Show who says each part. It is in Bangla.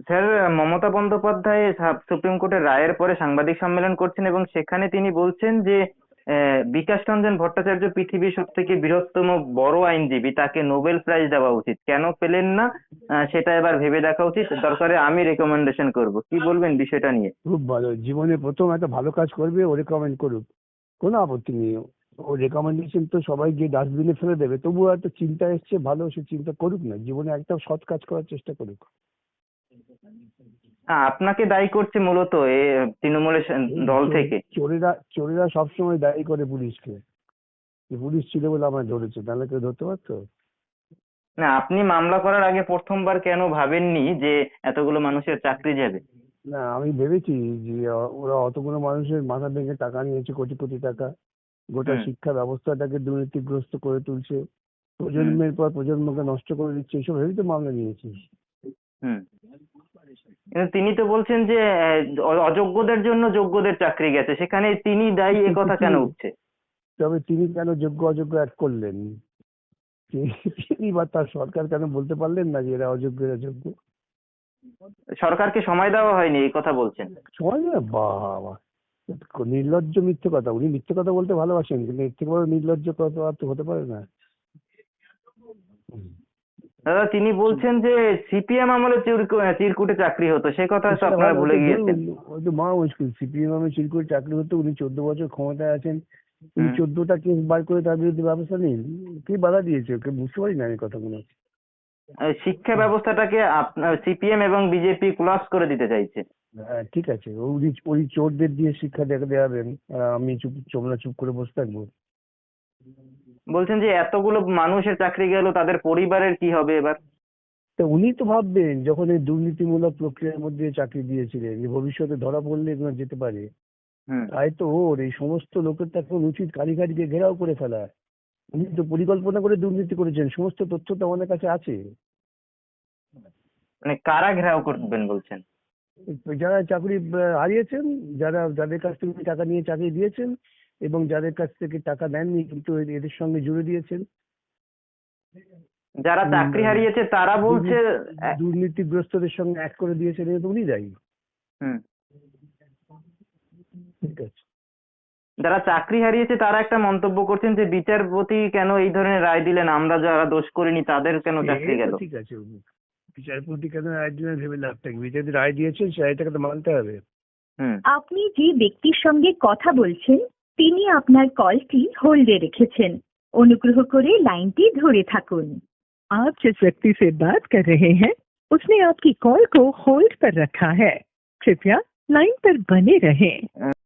Speaker 1: স্যার, মমতা বন্দ্যোপাধ্যায় সুপ্রিম কোর্টের রায়ের পরে সাংবাদিক সম্মেলন করছেন এবং সেখানে তিনি বলছেন যে বিকাশ রঞ্জন ভট্টাচার্য পৃথিবীর সব থেকে বৃহত্তম বড় আইনজীবী, তাকে নোবেল প্রাইজ দেওয়া উচিত, কেন পেলেন না সেটা এবার ভেবে দেখা উচিত, দরকারে আমি রেকমেন্ডেশন করব। কি বলবেন বিষয়টা নিয়ে?
Speaker 2: খুব ভালো, জীবনে প্রথম একটা ভালো কাজ করবে, ও রেকমেন্ড করুক, কোনো আপত্তি নেই। ও রেকমেন্ডেশন তো সবাই গিয়ে ডাস্টবিনে ফেলে দেবে, তবুও একটা চিন্তা এসছে, ভালো, সে চিন্তা করুক না, জীবনে একটা সৎ কাজ করার চেষ্টা করুক।
Speaker 1: আপনাকে দায়ী করছে মূলত এ তৃণমূলের দল থেকে।
Speaker 2: চোরেরা চোরেরা সবসময় দায়ী করে পুলিশকে, যে পুলিশ ছিল বলে আমায় ধরেছে, তাহলে কেউ ধরতে পারতো?
Speaker 1: না, আপনি মামলা করার আগে প্রথমবার কেন ভাবেননি যে এতগুলো মানুষের চাকরি যাবে?
Speaker 2: না, আমি ভেবেছি যে ওরা অতগুলো মানুষের মাথা ভেঙে টাকা নিয়েছে, কোটি কোটি টাকা, গোটা
Speaker 1: হুম।
Speaker 2: শিক্ষা ব্যবস্থাটাকে দুর্নীতিগ্রস্ত করে তুলছে,
Speaker 1: হুম।
Speaker 2: প্রজন্মের পর প্রজন্মকে নষ্ট করে দিচ্ছে, এইসব ভেবেই তো মামলা নিয়েছি।
Speaker 1: হুম। কিন্তু তিনি তো বলছেন যে অযোগ্যদের জন্য যোগ্যদের চাকরি গেছে, সেখানে তিনি দায়ী, এ কথা কেন উঠছে?
Speaker 2: তবে তিনি কেন যোগ্য অযোগ্য এক করলেন? তিনি বা তার সরকার কেন বলতে পারলেন না যে এরা অযোগ্য, এরা যোগ্য?
Speaker 1: সরকারকে সময় দেওয়া হয়নি এই কথা বলছেন?
Speaker 2: সময় না, বাবা, নির্লজ্জ মিথ্যে কথা। উনি মিথ্যে কথা বলতে ভালোবাসেন, কিন্তু এর থেকে বড় নির্লজ্জ কথা আর তো হতে পারে না। হুম।
Speaker 1: দাদা, তিনি বলছেন যে সিপিএম আমলে চিরকুটে চাকরি হতো, সে কথা তো
Speaker 2: সেটা
Speaker 1: আপনারা
Speaker 2: ভালো,
Speaker 1: ভুলে
Speaker 2: ওটা
Speaker 1: গিয়েছেন।
Speaker 2: ধরুন, ওই তো মহা মুশকিল। সিপিএম আমি চিরকুট চাকরি হতো, উনি 14 বছর ক্ষমতায় আছেন, উনি
Speaker 1: হুম।
Speaker 2: 14টা কেস বার করে তার বিরুদ্ধে ব্যবস্থা নিন। কে বাধা দিয়েছে ওকে? বুঝতে পারি না আমি কথাগুলো।
Speaker 1: শিক্ষা ব্যবস্থাটাকে আপনার সিপিএম এবং বিজেপি ক্লাস করে দিতে চাইছে।
Speaker 2: হ্যাঁ, ঠিক আছে, উনি ওই চোরদের দিয়ে শিক্ষা দেখাবেন, আর আমি চুপ করে বসে থাকবো?
Speaker 1: বলছেন যে এতগুলো মানুষের চাকরি গেল, তাদের পরিবারের কি হবে এবার?
Speaker 2: তা উনি তো ভাববেন, যখন এই দুর্নীতিমূলক প্রক্রিয়ার মধ্যে চাকরি দিয়েছিলেন, যে ভবিষ্যতে ধরা পড়লে এগুলো যেতে পারে।
Speaker 1: হুম।
Speaker 2: তাই তো ওর এই সমস্ত লোকের তো এখন উচিত কারিগরিকে ঘেরাও করে ফেলা। উনি তো পরিকল্পনা করে দুর্নীতি করেছেন, সমস্ত তথ্য তো আমাদের কাছে আছে।
Speaker 1: মানে কারা ঘেরাও করবেন বলছেন?
Speaker 2: যারা চাকরি হারিয়েছেন, যাদের কাছ থেকে উনি টাকা নিয়ে চাকরি দিয়েছেন, এবং যাদের কাছ থেকে টাকা নেননি কিন্তু এদের সঙ্গে জুড়ে দিয়েছেন।
Speaker 1: যারা চাকরি
Speaker 2: উম,
Speaker 1: হারিয়েছে তারা বলছে।
Speaker 2: দুর্নীতি
Speaker 1: আহ,
Speaker 2: দুর্নীতিগ্রস্তদের সঙ্গে এক করে দিয়েছেন, এটা তো উনি দায়ী।
Speaker 1: হুম।
Speaker 2: ঠিক আছে।
Speaker 1: যারা চাকরি হারিয়েছে তারা একটা মন্তব্য করছেন যে বিচারপতি কেন এই ধরনের রায় দিলেন, আমরা যারা দোষ করিনি তাদের কেন
Speaker 2: সে
Speaker 1: চাকরি
Speaker 2: তো
Speaker 1: গেল?
Speaker 2: ঠিক আছে, বিচারপতি কেন রায় দিলেন ভেবে লাভ থাকবে? বিচারপতি রায় দিয়েছেন, সেই রায়টাকে তো মানতে হবে।
Speaker 1: হুম।
Speaker 3: আপনি যে ব্যক্তির সঙ্গে কথা বলছেন তিনি আপনার কলটি হোল্ডে রেখেছেন। অনুগ্রহ করে লাইনটি ধরে থাকুন। आप जिस व्यक्ति से बात कर रहे हैं उसने आपकी कॉल को होल्ड पर रखा है। कृपया लाइन पर बने रहें।